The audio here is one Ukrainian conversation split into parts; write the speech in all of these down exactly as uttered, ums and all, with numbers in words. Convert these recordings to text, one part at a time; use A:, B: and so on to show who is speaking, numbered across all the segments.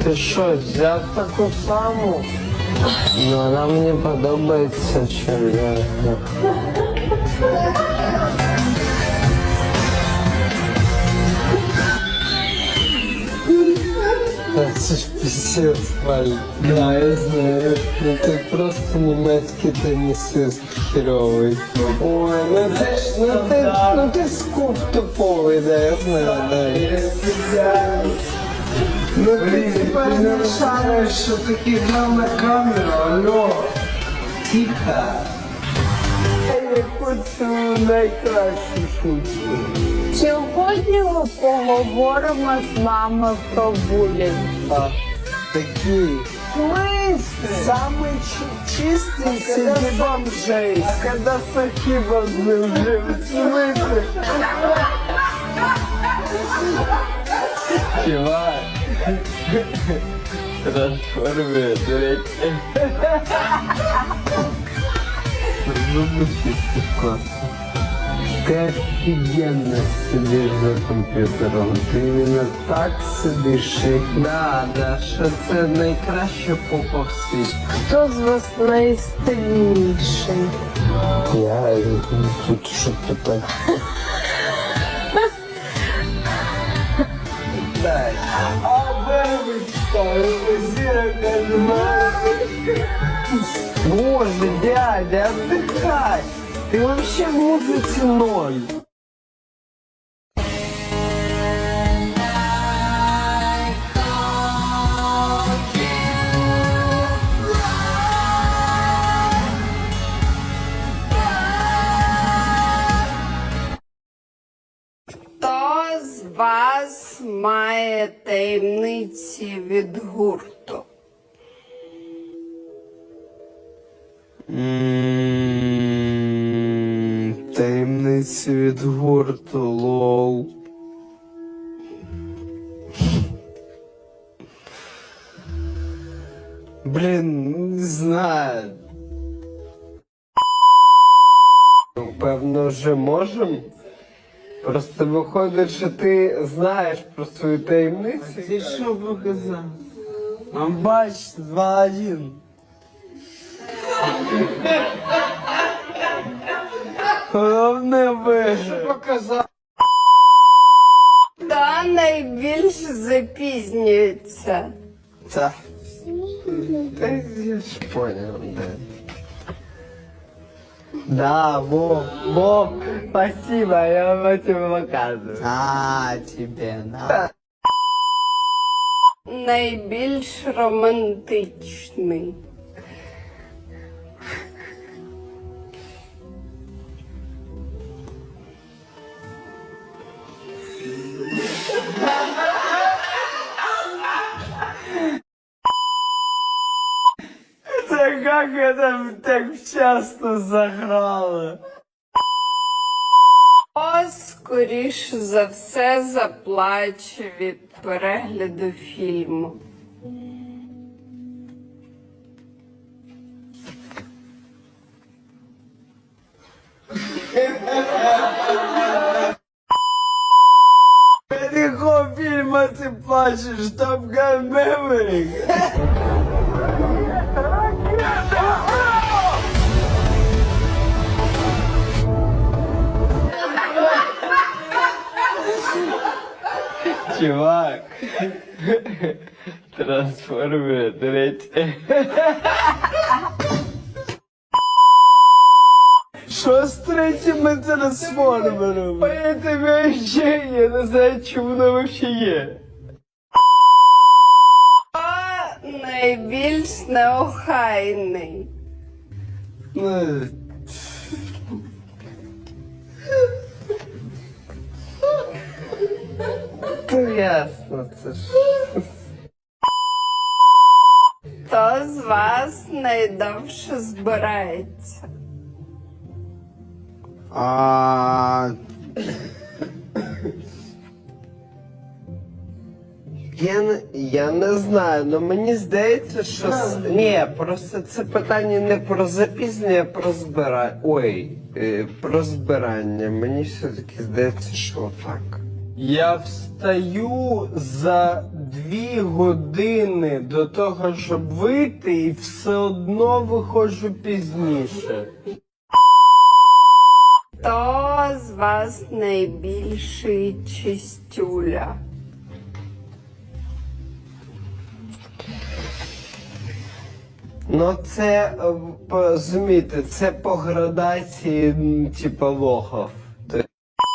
A: Ти що, взяв таку саму? Ну, вона мені подобається черв'яка. Та це ж пісець, Валь. Да, я знаю. Ну ти просто німецький тенісист херовий. Ой, ну ти ж, ну ти, ну ти скуп туповий, да, я знаю, да. Ну ти тепер не шариш, що ти кидав на камеру, алло. Тихо. Я хочу найкращу шутку.
B: Сьогодні ми поговоримо з вами про булінг.
A: А, такий. Самый чистый среди бомжей. А когда сахи бомжи уже в смысле? Чувак. Трансформер, дурачки. Зубы чистый, классно. Ты офигенно сидишь за комп'ютером. Ти іменно так сидиш. Да, да, що це найкраще попа в світі.
B: Хто з вас найстильніший?
A: Я тут що питати. Дай. А вирвичка, зіра каже, Боже, дядя, отдыхай. Ты вообще в музыке ноль.
B: Хто з вас має таємниці від гурту?
A: Таємниці від гурту, лол. Блін, не знаю. Певно, вже можем. Просто виходить, що ти знаєш про свою таємницю.
C: А ти що показав? А бач, два один.
A: Головне вижив. Показав.
B: Хто найбільше запізнюється?
A: Так. Та я ж понял, да. Да, Вов, Вов, спасибо, я вам этим показываю.
C: А, тебе, на.
B: Найбільш романтичний.
A: Да как это так часто заграло?
B: Хто, скоріш за все, заплаче від перегляду фільму?
A: Від якого фільму ти плачеш? Top Gun Maverick? Чувак, трансформер, третій. Що з третім трансформером? Поэтому вообще я не знаю, чому воно вообще є.
B: Хто найбільш неохайний?
A: Ну, то ясно, це ж.
B: Хто з вас найдовше збирається?
A: А... Я не, я не знаю, але мені здається, що... с- Ні, просто це питання не про запізнення, а про збирання. Ой, е, про збирання. Мені все-таки здається, що так. Я встаю за дві години до того, щоб вийти, і все одно виходжу пізніше.
B: Хто з вас найбільший чистюля?
A: Ну це, е, розумієте, це по градації, м, типа, лохов. Ти-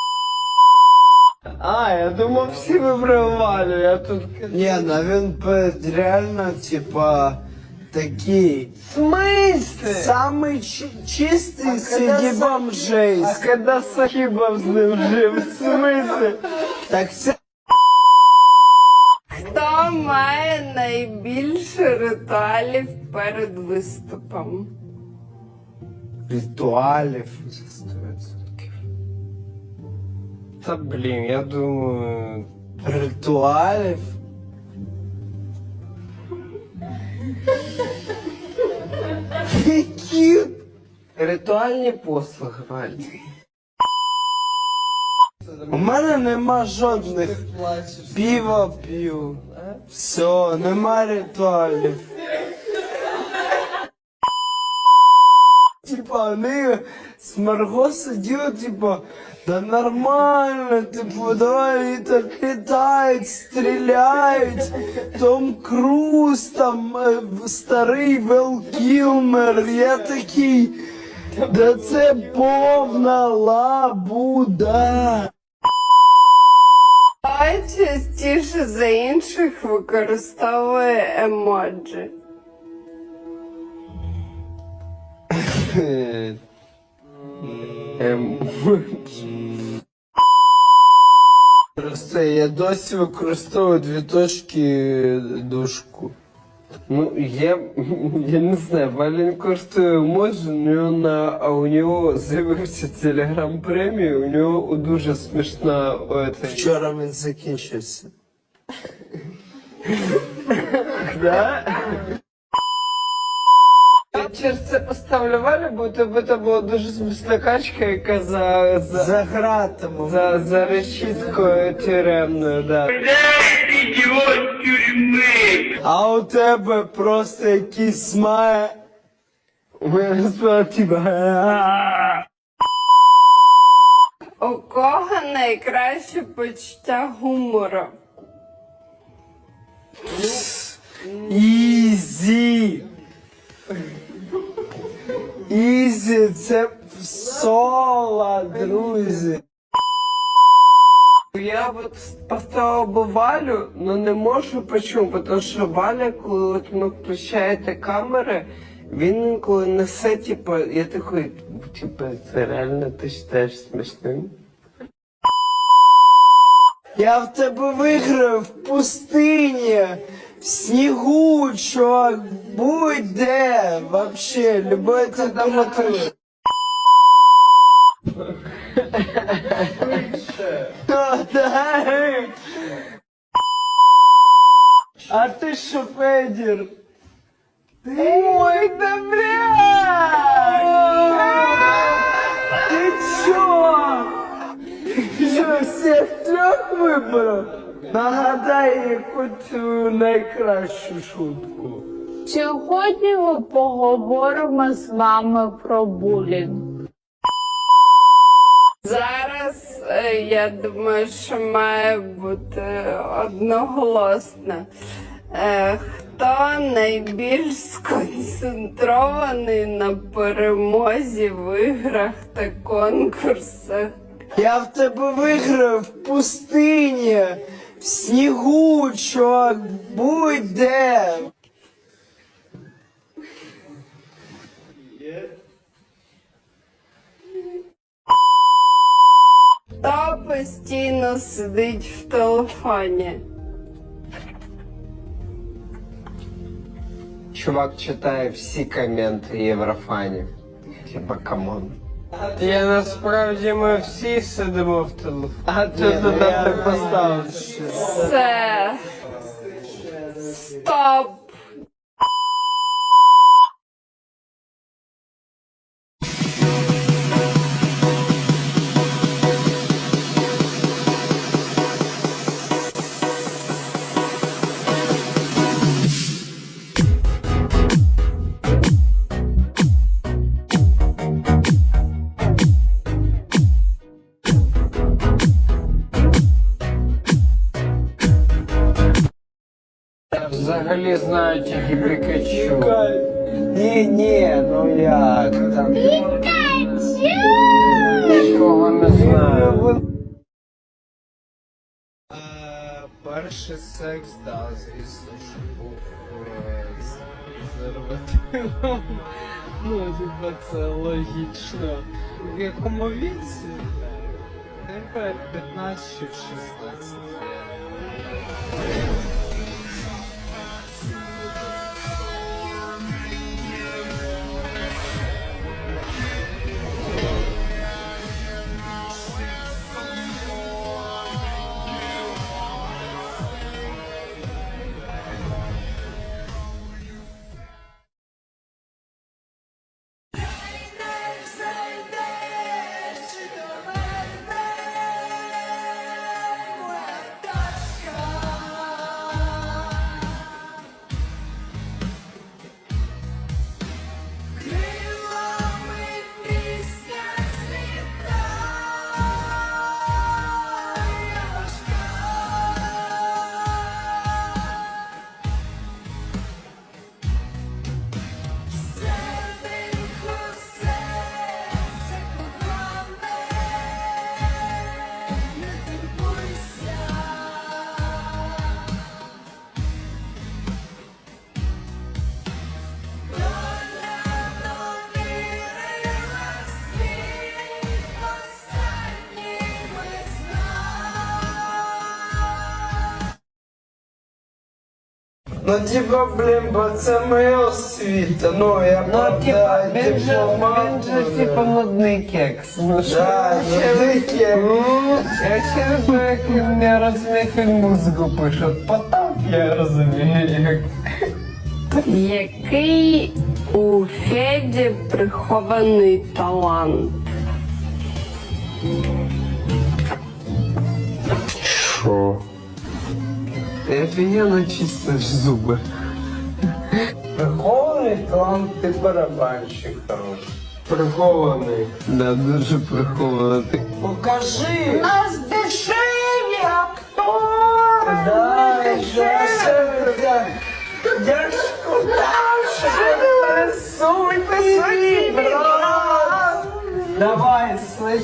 A: А, я думав, всі вибривали, я тут...
C: Ні, ну він пе- реально, типа, такий.
A: В смысле?
C: Самий чи- чистий
A: когда
C: среди
A: Са-
C: бомжей.
A: А коли Сахібов з ним жив, в смысле?
C: Так це
B: Хто має найбільше ритуалів перед виступом?
C: ритуалів.
A: Та блін, я думаю...
C: Ритуалів? Які?
A: Ритуальні послуги, Валь.
C: У мене нема жодних. Пиво п'ю. Все, нема ритуалів. Типа, вони з Марго сиділи, типа, да нормально, типу, давай і так літають, стріляють. Том Круз, там, е, старий Вел Кілмер, я такий, да це повна лабуда.
B: Хто частіше за інших використовує емоджі?
A: Ем...
C: Просто я досі використовую дві точки дужку.
A: Ну, я, я не знаю, Валін користує емоджі, у нього на, а у нього з'явився телеграм премія, у нього дуже смішна... Оце,
C: Вчора він закінчився.
A: да? Я через це поставлю Валю, бо у тебе це була дуже смішна качка, яка за... за...
C: За гратами.
A: За, за решіткою тюремною, да.
C: А у тебе просто якийсь має.
A: У мене спала типа...
B: У кого найкраще почуття гумору?
C: Ізі! Ізі, це соло, друзі.
A: Я от поставила би Валю, но не можу почому, тому що Валя, коли от ми включаєте камери, він інколи несе, типу, я такий, типу, це реально ти вважаєш смішним?
C: Я в тебе виграю в пустині, в снігу, чувак, будь-де, вообще, любой температури. А ти що, Федір? Ой, да блядь! Ти чо? Що, всіх трьох вибрав? Нагадай якусь твою найкращу шутку.
D: Сьогодні ми поговоримо з вами про булінг.
B: Зараз, е, я думаю, що має бути одноголосно. Е, Хто найбільш сконцентрований на перемозі в іграх та конкурсах?
C: Я в тебе виграю в пустині, в снігу, чувак, будь-де.
B: Хто постійно сидить в телефоні?
A: Чувак читає всі коменти Єврофанів. Типа, камон. Я насправді ми всі сидимо в телефоні. А ти туди так поставив.
B: Це... Стоп!
A: взагалі знаю тільки Пікачу.
C: Ні, ні, ну як там.
A: Нікого не знаю.
C: Е, Перший секс, да, звісно, що був е, з презервативом. Ну, типа, це логічно. В якому віці? Тепер п'ятнадцять чи шістнадцять. Ну, типа, блін, бо це моя освіта, ну, я
A: Ну,
C: правда
A: типа, він же,
C: дипломат
A: він же,
C: буду.
A: типа, нудний кекс. Ну, що
C: Да,
A: я
C: ну, таке.
A: Я ще не знаю, як він не розуміє, як він музику пише. Потап я розумію, як.
B: Який у Феді прихований талант?
A: Що? Ти офігенно чистиш зуби.
C: Прихований талант, ти барабанщик хороший.
A: Прихований. Да, дуже прихований. Ти
C: Покажи!
A: нас дешеві актори!
C: Да, дешеві, да. Я ж кудаш, рисуйте свої, брат!
A: Давай, слышь.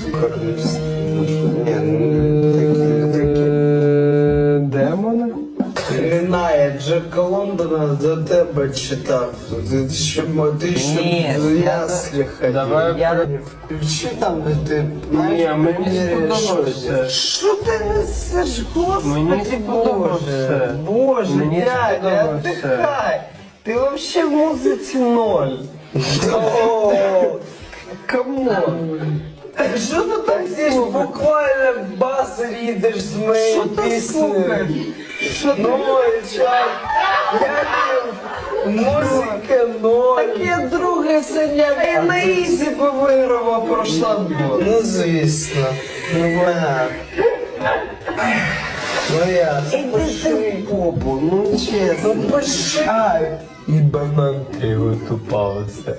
A: Демони?
C: Лінає, Джека Лондона до тебе читав. Ти ще, ти ще
A: Ні,
C: в
A: я-
C: яслі ходив.
A: Давай
C: Я включи там, де ти
A: Ні, мені
C: поміряєш
A: сподобався.
C: щось. Що ти несеш, господи,
A: Мені сподобався.
C: Боже, Боже,
A: Мені
C: дядя,
A: сподобався.
C: отдыхай. Ти вообще в музиці ноль. О, камон. Що ти так здесь буквально бас рідиш з моєї пісни? Ну, чай, я музика ноль. Так я друге сьогодні, він на ізі би виграв, пройшла б. Ну, звісно. Ну, понятно. Ну, я, пиши попу, ну, чесно, ну, пиши.
A: І банан його тупався.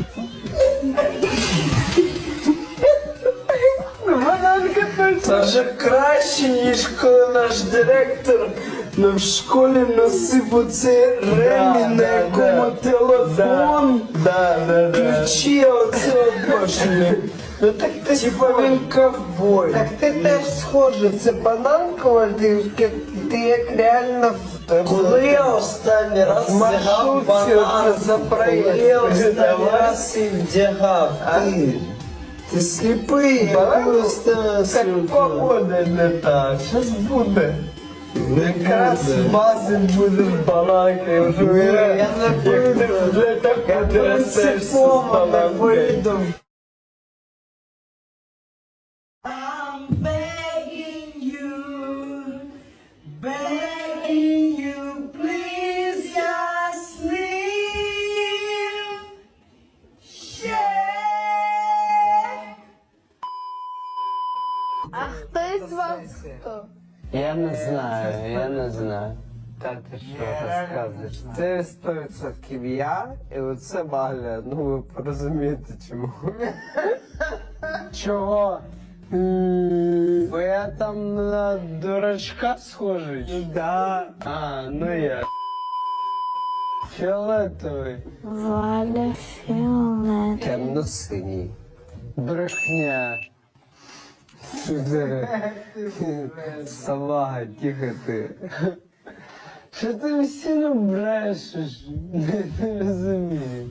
C: Це вже краще, ніж коли наш директор нам в школі носив оцей ремінь, на
A: да,
C: якому
A: да.
C: телефон,
A: Да, да, да.
C: ключі оце обожнює. Ну так ти типа він ковбой.
A: Так ти теж схожий, це бананкова, ти, ти як реально в
C: Коли я останній раз
A: в маршрутці
C: вдягав банан,
A: оце за проїзд.
C: коли я останній
A: Давай.
C: раз і вдягав, ти, ти сліпий, я коли останній раз
A: Так
C: вдягав.
A: погода не та, щось буде. Якраз
C: буде.
A: бази буде в баланки,
C: Я не
A: Ти вже так потрясешся з
C: принципово не
A: баланки.
C: вийду.
E: I'm begging you, begging you, please just leave. Share.
D: А хтось вас хто?
A: Я не знаю, я не знаю. Та ти що розказуєш? Це сто відсотків я, і оце Валя. Ну ви розумієте чому. Чого? Бо я там на дурачка схожий. Да. А, ну я. Фіолетовий.
D: Валя Фіолет.
A: Темно-синій. Брехня. Сюди. Салага, тихо ти. Що ти всі брешеш? Не розумію.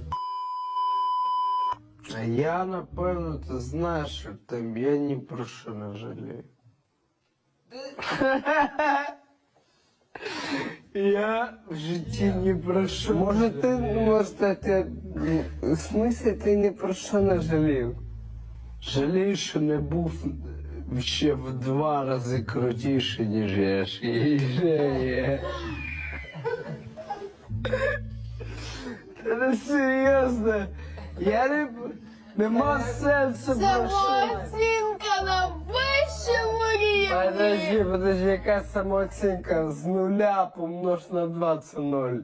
C: А я, напевно, ти знаєш, що там я ні про що не жалію. Я в житті ні про що не
A: Може ти,
C: жалію.
A: може ти, в смислі ти ні про що не жалів?
C: Жалію, що не був ще в два рази крутіший, ніж я ж є. Та не серйозно. Я не... Нема сенсу
D: Це
C: про що.
D: оцінка на вищому рівні.
A: Подожди, подожди, яка самооцінка? З нуля помнож на два це ноль.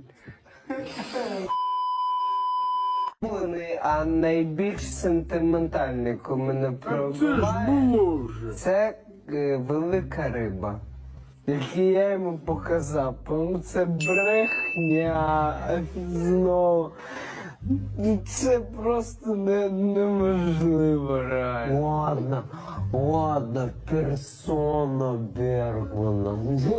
A: А найбільш сентиментальний, коли мене пробиває,
C: було вже.
A: це е, велика риба, яку я йому показав. Ну це брехня знову. Ну, це просто не, неможливо реально.
C: Ладно, ладно, персона Бергмана.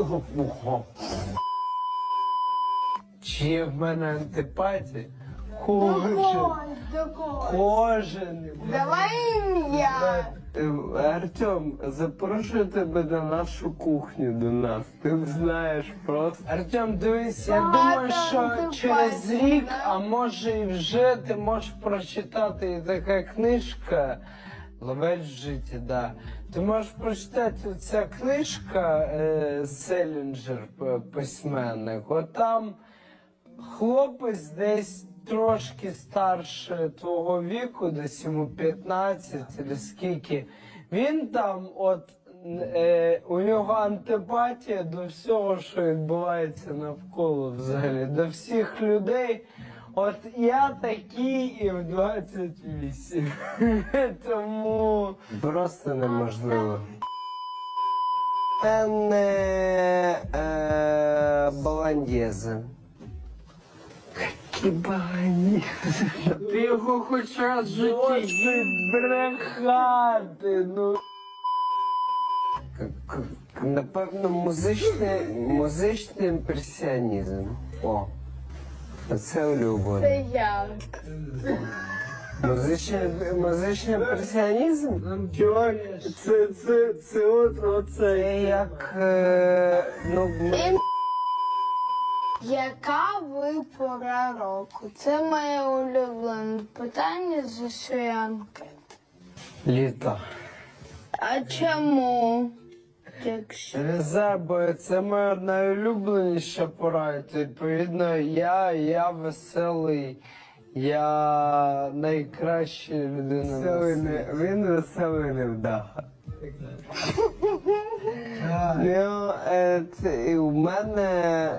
A: Чи є в мене антипатія? Кожен, кожен.
D: Давай ім'я.
A: Е, Артем, запрошую тебе на нашу кухню до нас. Ти знаєш просто. Артем, дивись, я
D: Багато
A: думаю, що
D: антипатій,
A: через рік,
D: да?
A: а може і вже ти можеш прочитати і така книжка. Ловець в житті, да. Ти можеш прочитати ця книжка е, Селінджер, п- письменник. От там хлопець десь трошки старше твого віку, десь йому п'ятнадцять чи скільки. Він там, от е, у нього антипатія до всього, що відбувається навколо взагалі, до всіх людей. От я такий і в двадцять вісім. Тому просто неможливо. Не е, баландєзи. Які баландєзи?
C: Ти його хоч раз в житті
A: Досить брехати, ну. К- к- Напевно, музичний, музичний імпресіонізм. О, це улюблене.
D: Це я.
A: Музичний, музичний імпресіонізм?
C: Чувак, це, це, це от, оце.
A: Це як, е, ну,
D: Ім- Яка ви пора року? Це моє улюблене питання з усієї анкети.
A: літо.
D: А чому? Якщо
A: Не знаю, бо це моя найулюбленіша пора, і, відповідно, я, я веселий, я найкраща людина. Веселий не, він веселий невдаха. Ну, е, це, і у мене,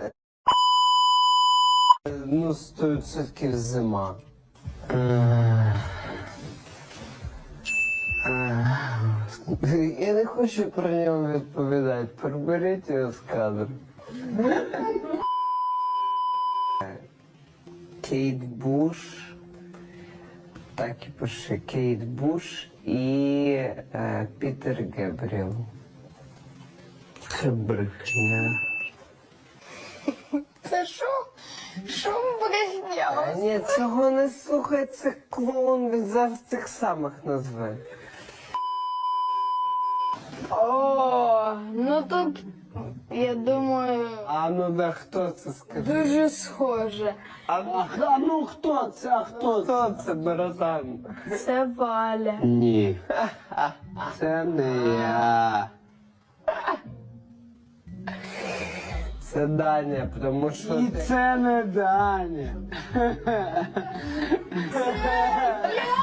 A: ну, сто відсотків зима. Я не хочу про нього відповідати. Приберіть його з кадру. Кейт Буш. Так і пиши. Кейт Буш і е, Пітер Гебріел. Це брехня.
D: це що? Що брехня?
A: А ні, цього не слухай, це клоун, він завжди тих самих назве.
D: О, ну тут, я думаю,
A: А ну да хто це скаже?
D: дуже схоже.
A: А, а ну хто це? А хто, хто це, братан?
D: Це Валя.
A: Ні. Це не я. Це Даня, тому що
C: І
A: ти...
C: це не Даня.
D: Я